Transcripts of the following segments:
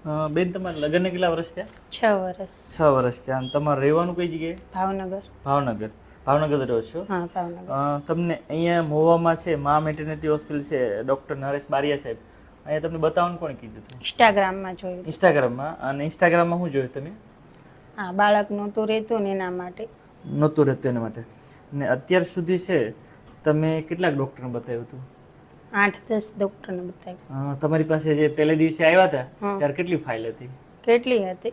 બેન તમારા લગ્નને કેટલા વર્ષ થયા? 6 વર્ષ. 6 વર્ષ થયા. અને તમારે રહેવાનું કઈ જગ્યાએ? ભાવનગર. ભાવનગર રહો છો? હા, ભાવનગર. તમને અહીંયા મહુવામાં છે મા મેટર્નિટી હોસ્પિટલ છે, ડૉક્ટર નરેશ બારિયા સાહેબ, અહીંયા તમને બતાવવાનું કોણે કીધું હતું? ઇન્સ્ટાગ્રામમાં જોયું. ઇન્સ્ટાગ્રામમાં. અને ઇન્સ્ટાગ્રામમાં શું જોયું તમે? હા, બાળક નહોતું રહેતું ને એના માટે. નહોતું રહેતું એના માટે. ને અત્યાર સુધી છે તમે કેટલાક ડૉક્ટરને બતાવ્યું હતું? 8-10 ડોક્ટરને બતાવ્યું. તમારી પાસે જે પહેલે દિવસે આવ્યા હતા ત્યારે કેટલી ફાઇલ હતી? કેટલી હતી?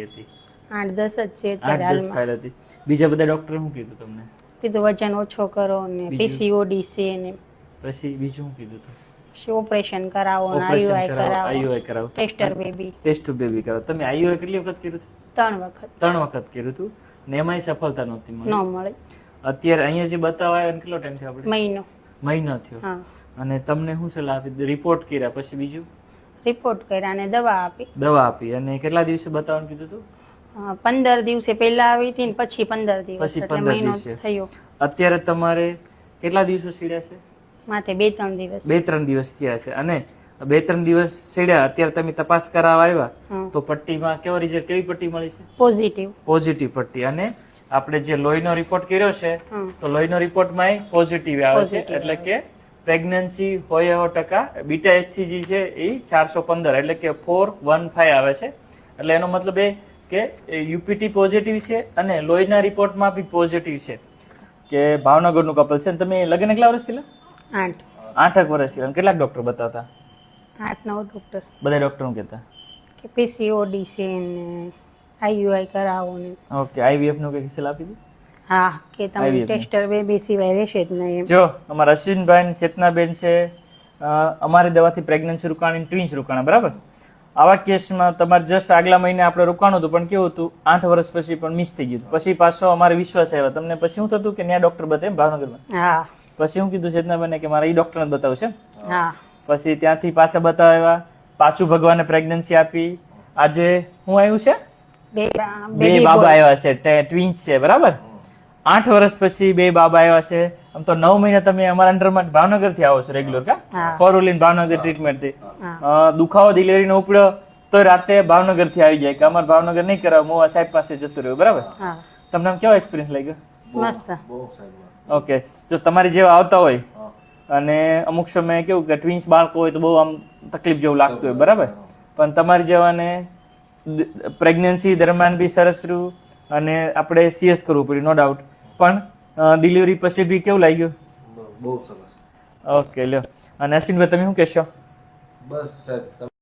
8-10 જ છે અત્યારે 8-10 હાલમાં. ફાઇલ હતી. બીજા બધા ડૉક્ટરે શું કીધું તમને? કીધું વજન ઓછો કરો ને પીસીઓડી છે ને પછી બીજું શું કીધું હતું? ઓપરેશન કરાવો ને આઈયુઆઈ કરાવો, ટેસ્ટર બેબી કરાવો. તમે આઈયુઆઈ કેટલી વખત કર્યું હતું? 3 વખત. 3 વખત કર્યું હતું ને એમાંય સફળતા નહોતી મળી. ન મળે. અત્યારે અહીંયા જે બતાવવા આવ્યા કેટલો ટાઈમ થયો આપણે? મહિનો થયો. હા. અને તમને શું સલાહ આપી? રિપોર્ટ કર્યા પછી બીજું? રિપોર્ટ કર્યા અને દવા આપી. અને કેટલા દિવસે બતાવવાનું કીધું હતું? 15 દિવસે પહેલા આવી હતી ને પછી 15 દિવસ, એટલે મહિનો થયો. અત્યારે તમારે કેટલા દિવસો સીડ્યા છે? માથે 2-3 દિવસ. 2-3 દિવસ થયા છે. અને 2-3 દિવસ સીડ્યા, અત્યારે તમે તપાસ કરાવવા આવ્યા તો પટ્ટીમાં કેવો રિઝલ્ટ, કેવી પટ્ટી મળી છે? પોઝિટિવ પટ્ટી. અને આપણે જે લોહીનો રિપોર્ટ કર્યો છે તો લોહીનો રિપોર્ટમાં પોઝિટિવ આવે છે, એટલે કે પ્રેગ્નન્સી હોય એવો ટકા બીટા HCG છે એ 415 એટલે કે 415 આવે છે. એટલે એનો મતલબ એ કે યુપીટી પોઝિટિવ છે અને લોહીના રિપોર્ટમાં બી પોઝિટિવ છે. કે ભાવનગરનું કપલ છે. તમે લગ્ન કેટલા વર્ષ થયેલા? 8 વર્ષ થયા. કેટલાક ડોક્ટર બતાવતા? 8-9 ડોક્ટર. બધા ડોક્ટર શું કહેતા? કે પીસીઓડી છે ને આઈયુઆઈ કરાવો ને. ઓકે. આઈવીએફ નું કઈ સલાહ આપી દીધી? હા, કે તમે ટેસ્ટર બેબી સિવાય રહેશે જ નહીં. જો અમારા અશ્વિનભાઈ ચેતનાબેન છે, અમારી દવાથી પ્રેગ્નન્સી રોકાણી, ટ્વિન્સ રોકાણા, બરાબર? આવા કેસમાં તમારે જસ્ટ આગલા મહિને આપણે રોકાણું હતું, પણ કેવું હતું 8 વર્ષ પછી પણ મિસ થઈ ગયું. પછી પાછો અમારે વિશ્વાસ આવ્યો તમને. પછી શું થતું કે ત્યાં ડોક્ટર બતાવે ભાવનગરમાં? હા. પછી શું કીધું ચેતનાબેને કે મારે એ ડોક્ટરને બતાવું છે. હા. પછી ત્યાંથી પાછા બતાવ્યા, પાછું ભગવાને પ્રેગ્નન્સી આપી. આજે શું આવ્યું છે? 2 બાબા આવ્યા છે, ટ્વિન્સ છે, બરાબર? 8 વર્ષ પછી 2 બાબા આવ્યા છે. આમ તો 9 મહિના તમે અમારા અંડરમાં ભાવનગર થી આવો છો રેગ્યુલર, કા? ફોરવ્હીલર ભાવનગર ટ્રીટમેન્ટ થી. દુખાવો ડિલિવરી નો ઉપડ્યો તો રાતે ભાવનગર થી આવી જાય કે અમારે ભાવનગર નહીં કરાવ, હું સાહેબ પાસે જતું રહ્યું, બરાબર? તમને આમ કેવો એક્સપિરિયન્સ લાગ્યો? મસ્ત. ઓકે. જો તમારી જેવા આવતા હોય અને અમુક સમયે કેવું કે ટ્વિન્સ બાળકો હોય તો બહુ આમ તકલીફ જેવું લાગતું હોય, બરાબર? પણ તમારી જેવાને પ્રેગ્નન્સી દરમિયાન બી સરસ રહ્યું અને આપણે સીએસ કરવું પડ્યું, નો ડાઉટ. પણ ડિલિવરી પછી બી કેવું લાગ્યું? બહુ સરસ. ઓકે, લ્યો. અને અશ્વિનભાઈ તમે શું કહેશો? બસ સાહેબ.